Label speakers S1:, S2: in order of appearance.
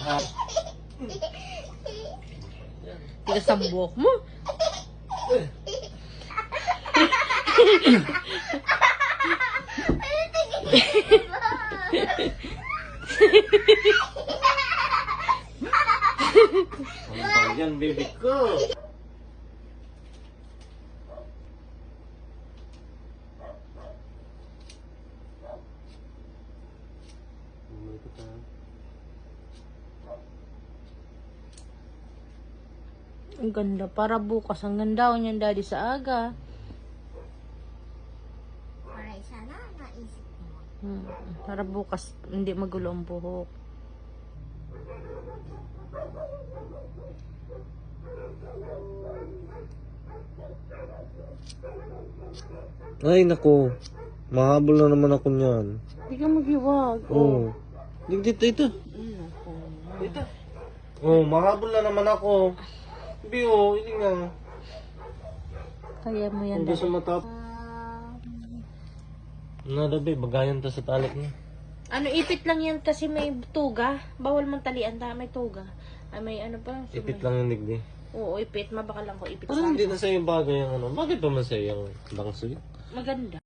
S1: Tigas ang buhok mo.
S2: Ano ba yan, baby ko?
S1: Ang ganda. Para bukas. Ang ganda niyan, daddy, sa aga.
S3: Alright, sana naisip mo.
S1: Para bukas, hindi magulo ang buhok.
S2: Ay, naku. Mahabol na naman ako niyan.
S1: Hindi ka maghiwag.
S2: Oo. Dito, ito. Ito. Oh, mahabol na naman ako. Biyo, hindi nga.
S1: Kaya mo yan,
S2: Kung gusto
S1: daddy.
S2: matap. Nadabi, bagayan ta sa talik niya.
S1: Ano, ipit lang yan kasi may tuga. Bawal mong talian ta, may tuga. Ay, may ano pa.
S2: Ipit lang yung digdi.
S1: Oo, ipit. Mabaka lang ko ipit
S2: Parang
S1: sa
S2: hindi na sa'yo bagay yung ano. Bakit pa man sa'yo yung bangsoy?
S1: maganda.